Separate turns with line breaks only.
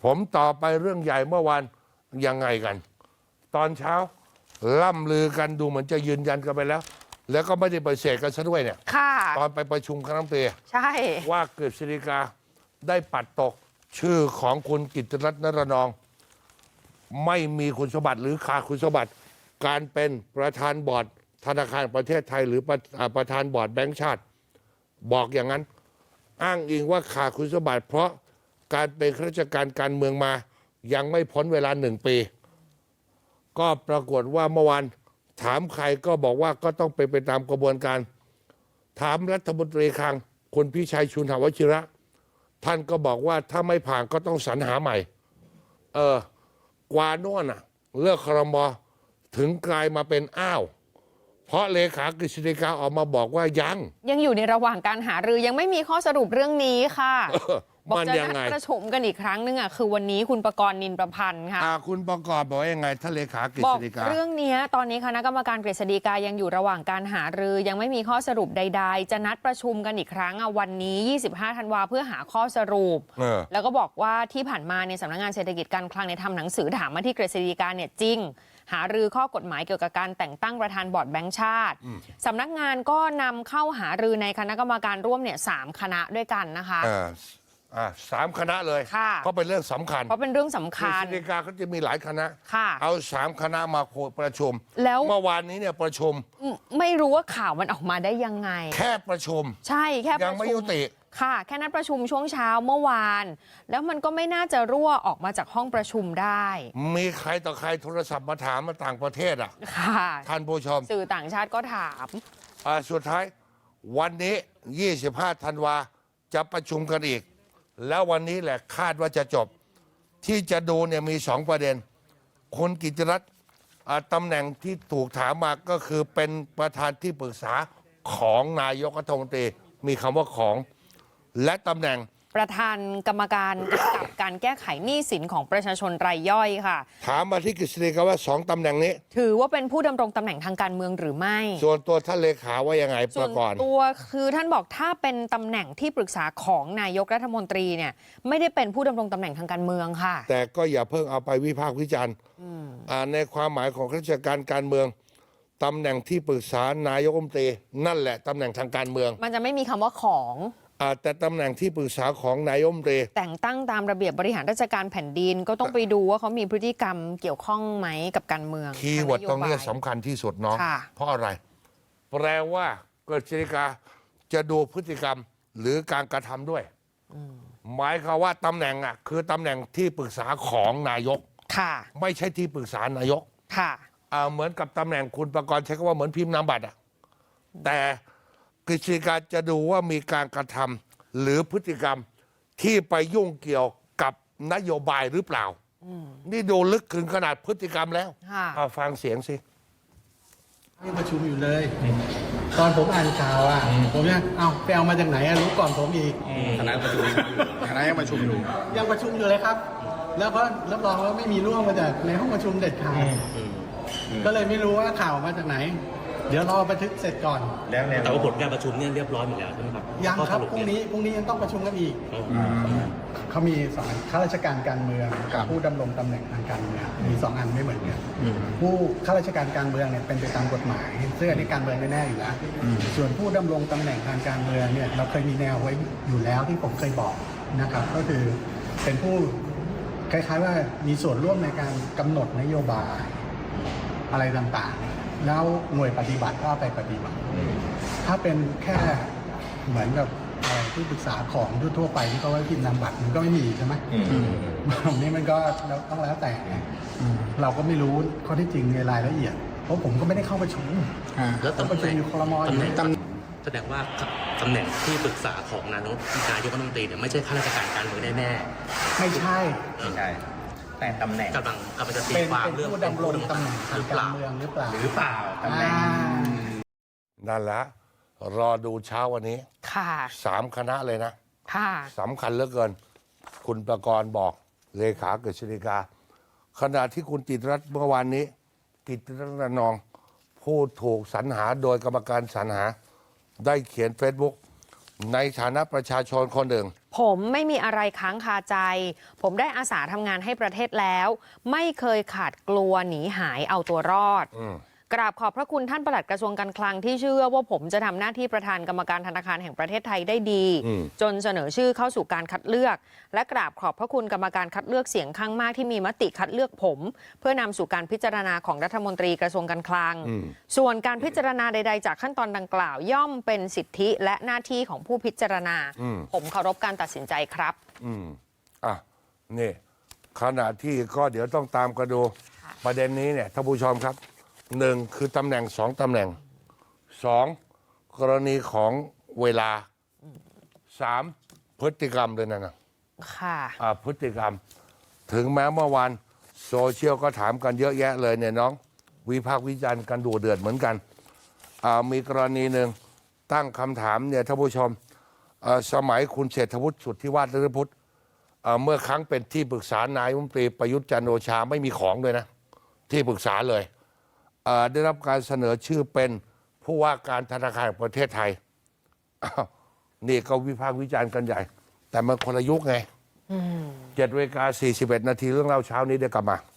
ผมต่อไปเรื่องใหญ่เมื่อวานยังไงกัน ตอนเช้าล่ำลือกันดูเหมือนจะยืนยันกันไปแล้ว แล้วก็ไม่ได้ปฏิเสธกันซะด้วยเนี่ย
ค่ะ
ตอนไปประชุมคณะรัฐมนตรี
ใช่
ว่ากฤษฎีกาได้ปัดตกชื่อของคุณกิตติรัตน์ นรนอง ไม่มีคุณสมบัติหรือขาดคุณสมบัติการเป็นประธานบอร์ดธนาคารประเทศไทยหรือประธานบอร์ดแบงก์ชาติ บอกอย่างนั้น อ้างอิงว่าขาดคุณสมบัติเพราะการเป็นข้าราชการการเมืองมายังไม่พ้นเวลา1 ปี ก็ปรากฏว่าเมื่อวานถามใครก็บอกว่าก็ต้องเป็นไปตามกระบวนการ ถามรัฐมนตรีคลังคุณพิชัยชุนหวชิระ ท่านก็บอกว่าถ้าไม่ผ่านก็ต้องสรรหาใหม่ กว่าโน่นเลือกครม.ถึงกลายมาเป็นอ้าว เพราะเลขากฤษฎีกาออกมาบอกว่ายัง
อยู่ในระหว่างการหารือยังไม่มีข้อสรุปเรื่องนี้ค่ะบอก
มัน
จะ
ยัง
นัด
ไง
ประชุมกันอีกครั้งนึงคือวันนี้คุณประกรณ์ นินประพันธ์ค่ะ
คุณประกอบบอกว่ายังไงถ้าเลขากฤ
บอ
ษ
ก
ฎีกา
เรื่องนี้ตอนนี้คณะกรรมการกฤษฎีกายังอยู่ระหว่างการหารือยังไม่มีข้อสรุปใดๆจะนัดประชุมกันอีกครั้งวันนี้25 ธันวาเพื่อหาข้อสรุปแล้วก็บอกว่าที่ผ่านมาในสำนักงานเศรษฐกิจการคลังในทำหนังสือถามมาที่กฤษฎีกาเนี่ยจริงหารือข้อกฎหมายเกี่ยวกับการแต่งตั้งประธานบอร์ดแบงก์ชาติสำนักงานก็นำเข้าหารือในคณะกรรมการร่วมเนี่ย3 คณะด้วยกันนะคะ
3 คณะเลย
ค่ะ
เพราะเป็นเรื่องสำคัญ
เพราะเป็นเรื่องสำ
กฤ
คัญ
ษฎีกาเขาจะมีหลายคณะ
ค่ะ
เอา3 คณะมาประชุม
แล้ว
เมื่อวานนี้เนี่ยประชุม
ไม่รู้ว่าข่าวมันออกมาได้ยังไง
แค่ประชุม
ใช่แค่ประชุ
ยังไม่ยุติ
ค่ะ แค่นัดประชุมช่วงเช้าเมื่อวาน แล้วมันก็ไม่น่าจะรั่วออกมาจากห้องประชุมได้
มีใครต่อใครโทรศัพท์มาถามมาต่างประเทศ
ค่ะ
ท่านผู้ชม
สื่อต่างชาติก็ถาม
สุดท้ายวันนี้ 25 ธันวาจะประชุมกันอีก แล้ววันนี้แหละคาดว่าจะจบ ที่จะดูเนี่ยมี2 ประเด็นคุณกิตติรัตน์ตำแหน่งที่ถูกถามมาก็คือเป็นประธานที่ปรึกษาของนายกรัฐมนตรีมีคำว่าของ และตำแหน่ง
ประธานกรรมการกำกับการแก้ไขหนี้สินของประชาชนรายย่อยค่ะ
ถามมาที่กฤษฎีกาว่า2 ตำแหน่งนี้
ถือว่าเป็นผู้ดำรงตำแหน่งทางการเมืองหรือไม่
ส่วนตัวท่านเลขาว่ายังไงป
ส่ว
ระ
น
กอบ
ตัวคือท่านบอกถ้าเป็นตำแหน่งที่ปรึกษาของนายกรัฐมนตรีเนี่ยไม่ได้เป็นผู้ดำรงตำแหน่งทางการเมืองค่ะ
แต่ก็อย่าเพิ่งเอาไปวิพากษ์วิจารณ์ในความหมายของข้าราชการการเมืองตำแหน่งที่ปรึกษานายกรัฐมนตรีนั่นแหละตำแหน่งทางการเมือง
มันจะไม่มีคำว่าของ
แต่ตำแหน่งที่ปรึกษาของนายกรัฐมนตรี
แต่งตั้งตามระเบียบบริหารราชการแผ่นดินก็ต้องไปดูว่าเขามีพฤติกรรมเกี่ยวข้องไหมกับการเมือง
คีย์เวิร์ดตรงนี้
ทาโยบาย
สำคัญที่สุดเนาะ
ค่ะ
เพราะอะไร แปลว่ากฤษฎีกาจะดูพฤติกรรมหรือการกระทำด้วยหมายความว่าตำแหน่งคือตำแหน่งที่ปรึกษาของนายก
ค่ะ
ไม่ใช่ที่ปรึกษานายก
ค่ะ
เหมือนกับตำแหน่งคุณประกรณ์ใช้คำว่าเหมือนพิมพ์นามบัตรแต่กฤษฎีกาจะดูว่ามีการกระทำหรือพฤติกรรมที่ไปยุ่งเกี่ยวกับนโยบายหรือเปล่านี่ดูลึกถึงขนาดพฤติกรรมแล้ว
ค่ะ
ฟังเสียงสิ
ยังประชุมอยู่เลย ตอนผมอ่านข่าวผมเนี่ยไปเอามาจากไหนรู้ก่อนผมอีก
คณะประชุมคณะยังประชุมอยู่
ยังประชุมอยู่เลยครับ แล้วก็รับรองว่าไม่มีร่วงมาจากในห้องประชุมเด็ดขาดก็เลยไม่รู้ว่าข่าวมาจากไหน เดี๋ยวรอบันทึกเสร็จก่อน
แต่ว่าผลการประชุมเนี่ยเรียบร้อยหมดแล้วใช่ไหมครับ
ยังครับ
ข้อส
พรุ่ง
เย
นี้ยังต้องประชุมกันอีกเขามีสองอันข้าราชการการเมืองกับผู้ดำรงตำแหน่งทางการเมืองมี2 อันไม่เหมือนกันผู้ข้าราชการการเมืองเนี่ยเป็นไปตามกฎหมายซึ่งอันนี้การเมืองแน่ๆอยู่แล้วส่วนผู้ดำรงตำแหน่งทางการเมืองเนี่ยเราเคยมีแนวไว้อยู่แล้วที่ผมเคยบอกนะครับก็คือเป็นผู้คล้ายๆว่ามีส่วนร่วมในการกำหนดนโยบายอะไรต่างๆแล้วหน่วยปฏิบัติก็ไปปฏิบัติถ้าเป็นแค่เหมือนกับที่ปรึกษาของทั่วไปที่เขาไว้พิมพ์นามบัตรมันก็ไม่มีใช่ไหมตรงนี้มันก็ต้องแล้วแต่เราก็ไม่รู้ข้อที่จริงในรายละเอียดเพราะผมก็ไม่ได้เข้าประชุม
แล้วตำ
ประ
แห
ชุม
น่ง
อยู่ครมอยู่
แสดงว่าตำแหน่งที่ปรึกษาของนายกรัฐมนตรีเนี่ยไม่ใช่ข้าราชการการเมืองแน่
ไม่ใช่
ใช่แต่ตำแหน่งกำลังจะตี
เป็น
ความเรื่อง
ผู้ดำรงตำแหน่งทางการเมืองหรือเปล่า
หรือเปล่าตำแหน่ง
นั่นแหละรอดูเช้าวันนี้
ค่ะ
3 คณะเลยนะ
ค่ะ
สำคัญเหลือเกิน คุณประกรณ์บอกเลขากฤษฎีกาขณะที่คุณกิตติรัตน์เมื่อวานนี้ กิตติรัตน์ นรนองผู้ถูกสรรหาโดยกรรมการสรรหา ได้เขียน Facebook ในฐานะประชาชนคนหนึ่ง
ผมไม่มีอะไรค้างคาใจ ผมได้อาสาทำงานให้ประเทศแล้ว ไม่เคยขาดกลัวหนีหายเอาตัวรอด กราบขอบพระคุณท่านปลัดกระทรวงการคลังที่เชื่อว่าผมจะทำหน้าที่ประธานกรรมการธนาคารแห่งประเทศไทยได้ดี จนเสนอชื่อเข้าสู่การคัดเลือก และกราบขอบพระคุณกรรมการคัดเลือกเสียงข้างมากที่มีมติคัดเลือกผม เพื่อนำสู่การพิจารณาของรัฐมนตรีกระทรวงการคลัง ส่วนการพิจารณาใดๆจากขั้นตอนดังกล่าวย่อมเป็นสิทธิและหน้าที่ของผู้พิจารณา ผมเคารพการตัดสินใจครับ
นี่ขณะที่ก็เดี๋ยวต้องตามกันดูประเด็นนี้เนี่ยท่านผู้ชมครับหนึ่งคือตำแหน่งสองตำแหน่งสองกรณีของเวลาสามพฤติกรรมเลยนะ
ค่ะ
พฤติกรรมถึงแม้เมื่อวานโซเชียลก็ถามกันเยอะแยะเลยเนี่ยน้องวิพากษ์วิจารณ์กันดุเดือดเหมือนกันมีกรณีหนึ่งตั้งคำถามเนี่ยท่านผู้ชมสมัยคุณเศรษฐวุฒิสุทธิวาฒนฤพุทธเมื่อครั้งเป็นที่ปรึกษานายกรัฐมนตรีประยุทธ์จันทร์โอชาไม่มีของเลยนะที่ปรึกษาเลยได้รับการเสนอชื่อเป็นผู้ว่าการธนาคารแห่งประเทศไทยนี่ก็วิพากษ์วิจารณ์กันใหญ่แต่มันคนละยุคไง7:41 นาทีเรื่องเล่าเช้านี้เดี๋ยวกลับมา